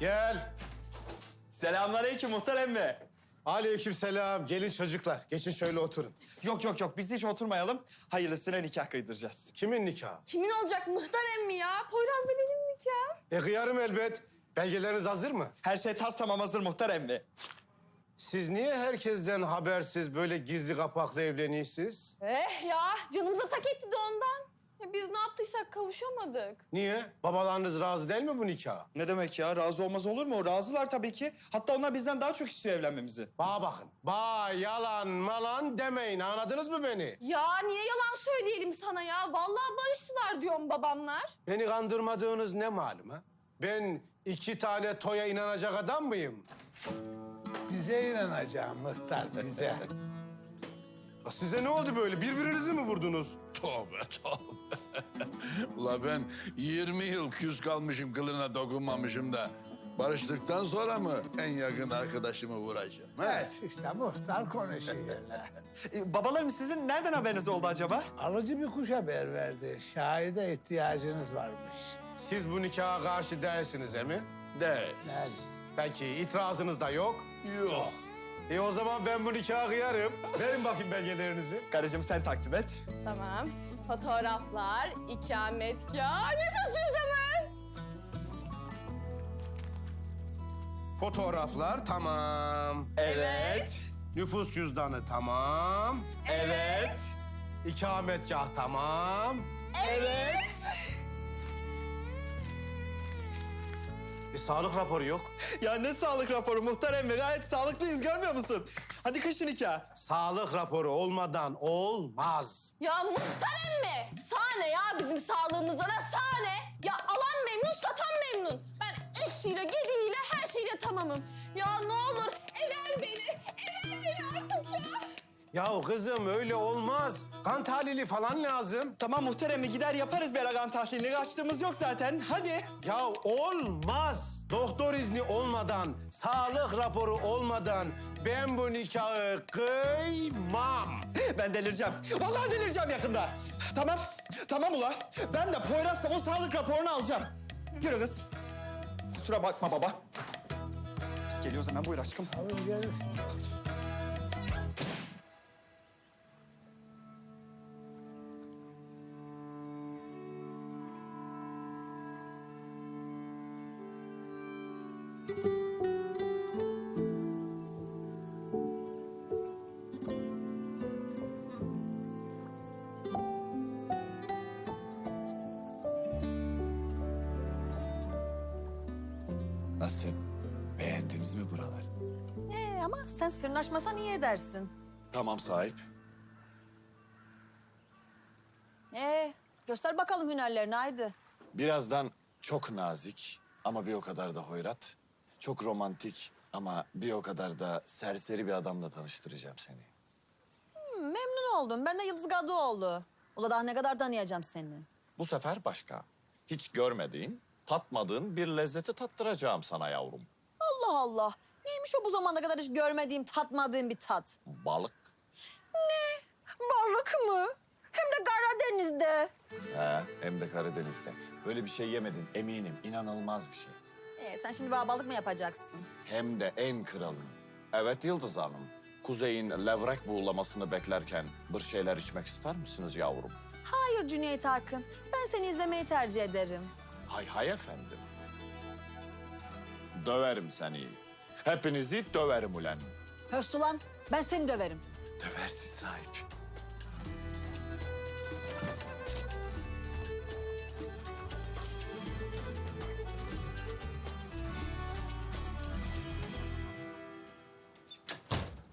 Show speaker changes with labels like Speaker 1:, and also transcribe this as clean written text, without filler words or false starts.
Speaker 1: Gel.
Speaker 2: Selamünaleyküm muhtar emmi.
Speaker 1: Aleykümselam. Gelin çocuklar. Geçin şöyle oturun.
Speaker 2: Yok biz hiç oturmayalım. Hayırlısıyla nikah kıydıracağız.
Speaker 1: Kimin nikahı?
Speaker 3: Kimin olacak muhtar emmi ya? Poyraz da benim nikahım.
Speaker 1: Kıyarım elbet. Belgeleriniz hazır mı?
Speaker 2: Her şey tas tamam hazır muhtar emmi.
Speaker 1: Siz niye herkesten habersiz böyle gizli kapaklı evleniyorsunuz?
Speaker 3: Ya canımıza tak etti de ondan. Ya biz ne yaptıysak kavuşamadık.
Speaker 1: Niye? Babalarınız razı değil mi bu nikaha?
Speaker 2: Ne demek ya? Razı olmaz olur mu? Razılar tabii ki. Hatta onlar bizden daha çok istiyor evlenmemizi.
Speaker 1: Bana bakın. Yalan malan demeyin. Anladınız mı beni?
Speaker 3: Ya niye yalan söyleyelim sana ya? Vallahi barıştılar diyorum babamlar.
Speaker 1: Beni kandırmadığınız ne malum ha? Ben 2 tane toya inanacak adam mıyım?
Speaker 4: Bize inanacağım muhtar, bize.
Speaker 1: Ya size ne oldu böyle? Birbirinizi mi vurdunuz?
Speaker 5: Tövbe. Ula ben 20 yıl küs kalmışım, kılına dokunmamışım da... ...barıştıktan sonra mı en yakın arkadaşımı vuracağım? He?
Speaker 4: Evet, işte muhtar konuşuyor öyle.
Speaker 2: Babalarım sizin nereden haberiniz oldu acaba?
Speaker 4: Alıcı bir kuş haber verdi. Şahide ihtiyacınız varmış.
Speaker 1: Siz bu nikaha karşı değilsiniz mi?
Speaker 5: Değil.
Speaker 1: Peki itirazınız da yok.
Speaker 5: Yok.
Speaker 1: O zaman ben bu nikahı kıyarım. Verin bakayım belgelerinizi.
Speaker 2: Karıcığım sen takdim et.
Speaker 3: Tamam. Fotoğraflar, ikametgah, nüfus cüzdanı.
Speaker 1: Fotoğraflar tamam.
Speaker 2: Evet.
Speaker 1: Nüfus cüzdanı tamam.
Speaker 2: Evet.
Speaker 1: İkametgah tamam.
Speaker 2: Evet.
Speaker 1: Bir sağlık raporu yok.
Speaker 2: Ya ne sağlık raporu muhtar emmi? Gayet sağlıklıyız görmüyor musun? Hadi kışın nikah.
Speaker 1: Sağlık raporu olmadan olmaz.
Speaker 3: Ya muhtar emmi, sahne ya bizim sağlığımıza da sahne. Ya alan memnun, satan memnun. Ben eksiyle, gediğiyle, her şeyle tamamım. Ya ne olur ever beni artık ya.
Speaker 1: Ya kızım öyle olmaz. Kan tahlili falan lazım.
Speaker 2: Tamam muhtar emmi gider yaparız bir aragan tahlilini. Kaçtığımız yok zaten. Hadi.
Speaker 1: Ya olmaz. Doktor izni olmadan, sağlık raporu olmadan ben bu nikahı kıymam.
Speaker 2: Ben delireceğim. Vallahi delireceğim yakında. Tamam. Tamam ula. Ben de Poyraz'la o sağlık raporunu alacağım. Yürü kız. Kusura bakma baba. Biz geliyoruz hemen buyur aşkım.
Speaker 4: Alın gelir.
Speaker 6: Nasıl? Beğendiniz mi buraları?
Speaker 7: Ama sen sırnaşmasan iyi edersin.
Speaker 6: Tamam sahip.
Speaker 7: Göster bakalım hünerlerini haydi.
Speaker 6: Birazdan çok nazik ama bir o kadar da hoyrat. Çok romantik ama bir o kadar da serseri bir adamla tanıştıracağım seni.
Speaker 7: Memnun oldum. Ben de Yıldız Gadıoğlu. Ula daha ne kadar tanıyacağım seni.
Speaker 6: Bu sefer başka. Hiç görmediğin, tatmadığın bir lezzeti tattıracağım sana yavrum.
Speaker 7: Allah Allah. Neymiş o bu zamana kadar hiç görmediğim, tatmadığım bir tat?
Speaker 6: Balık.
Speaker 7: Balık mı? Hem de Karadeniz'de.
Speaker 6: Hem de Karadeniz'de. Böyle bir şey yemedin eminim. İnanılmaz bir şey.
Speaker 7: Sen şimdi bana balık mı yapacaksın?
Speaker 6: Hem de en kralını. Evet Yıldız Hanım. Kuzey'in levrek buğulamasını beklerken bir şeyler içmek ister misiniz yavrum?
Speaker 7: Hayır Cüneyt Arkın. Ben seni izlemeyi tercih ederim.
Speaker 6: Hay hay efendim. Döverim seni. Hepinizi döverim ulan.
Speaker 7: Höst ulan, ben seni döverim.
Speaker 6: Döversiz sahip.